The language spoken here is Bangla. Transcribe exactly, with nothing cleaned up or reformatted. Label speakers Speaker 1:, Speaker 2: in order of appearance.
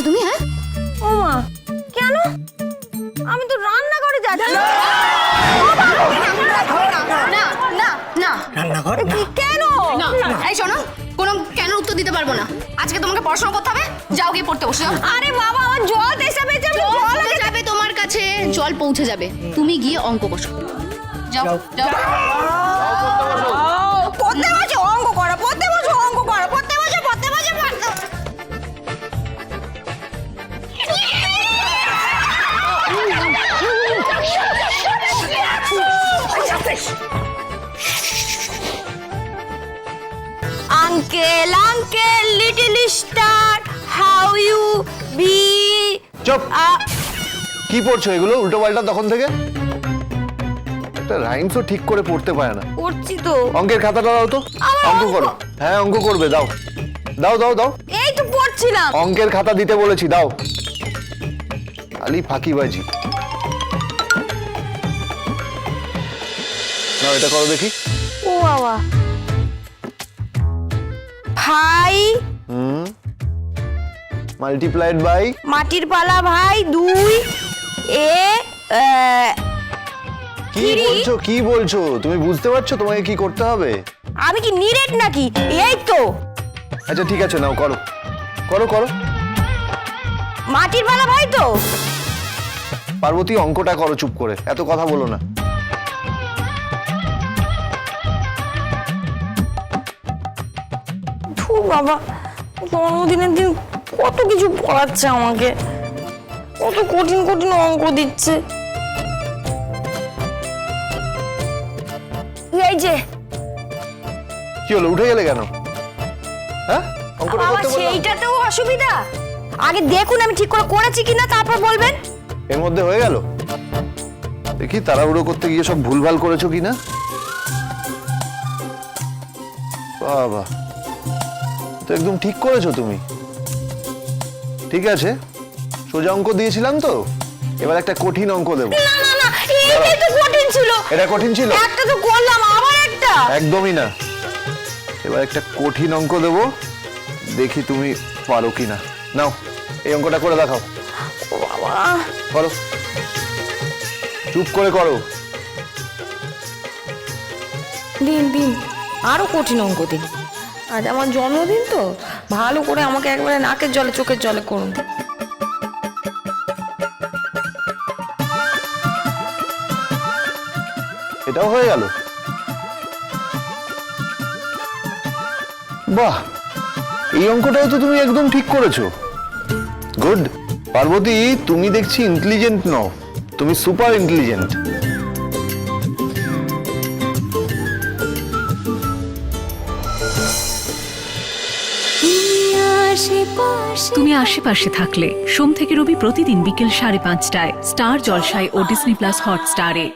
Speaker 1: তুমি? হ্যাঁ
Speaker 2: ও মা, কেন? আমি তো রান্না করে যাচ্ছি।
Speaker 1: না না না
Speaker 3: রান্নাঘর না।
Speaker 2: কেন?
Speaker 1: না এই শোনো, কোনো কেন উত্তর দিতে পারবো না। আজকে তোমাকে পড়াশোনা করতে হবে, যাও গিয়ে পড়তে বসে যাও।
Speaker 2: আরে বাবা, আমার জল তেষ্টা পেয়েছে, আমি
Speaker 1: জল
Speaker 2: জল
Speaker 1: পৌঁছে যাবে তোমার কাছে, জল পৌঁছে যাবে, তুমি গিয়ে অঙ্ক বসো। যাও যাও
Speaker 2: পড়তে বসে অঙ্ক করা, পড়তে বসে অঙ্ক করা, পড়তে বসে পড়তে বসে পড়তে। Uncle uncle little star how you be.
Speaker 4: চুপ! কি পড়ছো এগুলো উল্টো পাল্টা তখন থেকে? একটা রাইমসও ঠিক করে পড়তে পারে না।
Speaker 2: পড়ছি তো।
Speaker 4: অঙ্কের খাতাটা দাও তো,
Speaker 2: আমার
Speaker 4: অঙ্ক
Speaker 2: অঙ্ক।
Speaker 4: করো। হ্যাঁ অঙ্ক করবে, দাও দাও দাও দাও।
Speaker 2: এই তো পড়ছিলাম।
Speaker 4: অঙ্কের খাতা দিতে বলেছি, দাও। আলি ফাঁকিবাজি। নাও এটা করো দেখি।
Speaker 2: ও বাবা, ভাই
Speaker 4: হুম মাল্টিপ্লাইড বাই।
Speaker 2: মাটির পালা ভাই দুই এ আহ,
Speaker 4: কি
Speaker 2: কিরি?
Speaker 4: বলছো কি বলছো তুমি বুঝতে পারছো তোমাকে কি করতে হবে?
Speaker 2: আমি কি নিরেট নাকি? এই তো
Speaker 4: আচ্ছা ঠিক আছে, নাও করো করো করো।
Speaker 2: মাটির পালা ভাই তো।
Speaker 4: পার্বতী অঙ্কটা করো চুপ করে, এত কথা বলো না।
Speaker 2: ধু বাবা, জন্মদিনের দিন কত কিছু পড়াচ্ছে আমাকে, কত কঠিন কঠিন অঙ্ক দিচ্ছে। এই যে
Speaker 4: কি হলো, উঠে গেলে কেন? হ্যাঁ অঙ্কটা
Speaker 2: বাবা,
Speaker 4: করতে বললাম।
Speaker 2: সেইটাতেও অসুবিধা? আগে দেখুন আমি ঠিক করে করেছি কিনা, তারপর বলবেন।
Speaker 4: এর মধ্যে হয়ে গেল? দেখি তাড়াহুড়ো করতে গিয়ে সব ভুলভাল করেছো কিনা। বাবা, তো একদম ঠিক করেছো তুমি। ঠিক আছে, সোজা অঙ্ক দিয়েছিলাম তো, এবার একটা কঠিন অঙ্ক দেবো।
Speaker 2: না না না, এইটাই তো কঠিন ছিল।
Speaker 4: এটা কঠিন ছিল?
Speaker 2: একটা তো করলাম, আবার একটা।
Speaker 4: একদমই না। এবার একটা কঠিন অঙ্ক দেবো, দেখি তুমি পারো কিনা। নাও এই অঙ্কটা করে দেখাও।
Speaker 2: ও বাবা,
Speaker 4: করো, চুপ করে করো।
Speaker 2: দিন দিন আরো কঠিন অঙ্ক দিন। আজ আমার জন্মদিন তো, ভালো করে আমাকে একবারে নাকের জলে চোখের জলে করুন।
Speaker 4: এটাও হয়ে গেল? বাহ, এই অঙ্কটাও তো তুমি একদম ঠিক করেছো। গুড। পার্বতী, তুমি দেখছি ইন্টেলিজেন্ট নও, তুমি সুপার ইন্টেলিজেন্ট।
Speaker 5: তুমি আশেপাশে থাকলে সোম থেকে রবি প্রতিদিন বিকেল সাড়ে পাঁচটায় স্টার জলসায় ও ডিসনি প্লাস হটস্টারে।